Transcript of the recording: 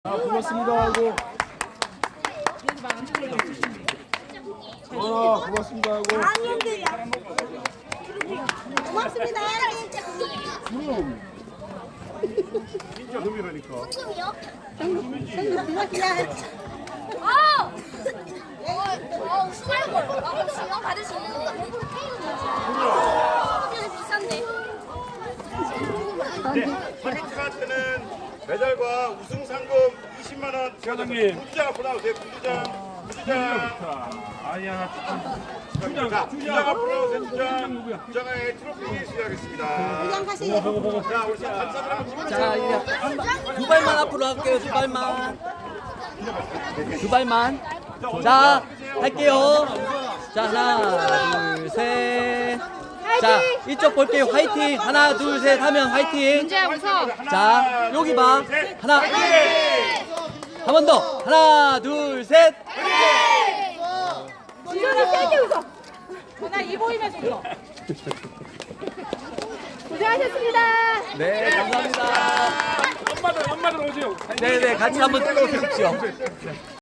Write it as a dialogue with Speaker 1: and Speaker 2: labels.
Speaker 1: 고맙습니다 하고 고맙습니다 하고
Speaker 2: 고맙습니다.
Speaker 1: 진짜 금이라니까.
Speaker 2: 수갈걸. 수영 받을 수 있는 거. 비싼데.
Speaker 3: 네, 파리카트는 메달과 우승 상금 20만 원.
Speaker 1: 사장님.
Speaker 3: 부주장 앞으로 나오세요. 부주장.
Speaker 1: 아야
Speaker 3: 부주장 앞으로 나오세요. 부주장의 트로피 수여하겠습니다.
Speaker 2: 부장 가시죠.
Speaker 3: 자, 우리 감사들 한번 찍어주세요.
Speaker 4: 자, 이제 두 발만 앞으로 할게요. 두 발만. 두 발만. 자, 할게요. 자, 하나, 둘, 셋. 자, 이쪽 볼게요. 화이팅. 하나, 둘, 셋 하면 화이팅. 자, 여기 봐. 하나. 한 번 더. 하나, 둘, 셋.
Speaker 5: 지현아 세게 웃어. 나 이 보이면서 웃어. 고생하셨습니다.
Speaker 4: 네, 감사합니다.
Speaker 1: 엄마들 오세요.
Speaker 4: 네, 네, 같이 한번 찍어 주십시오.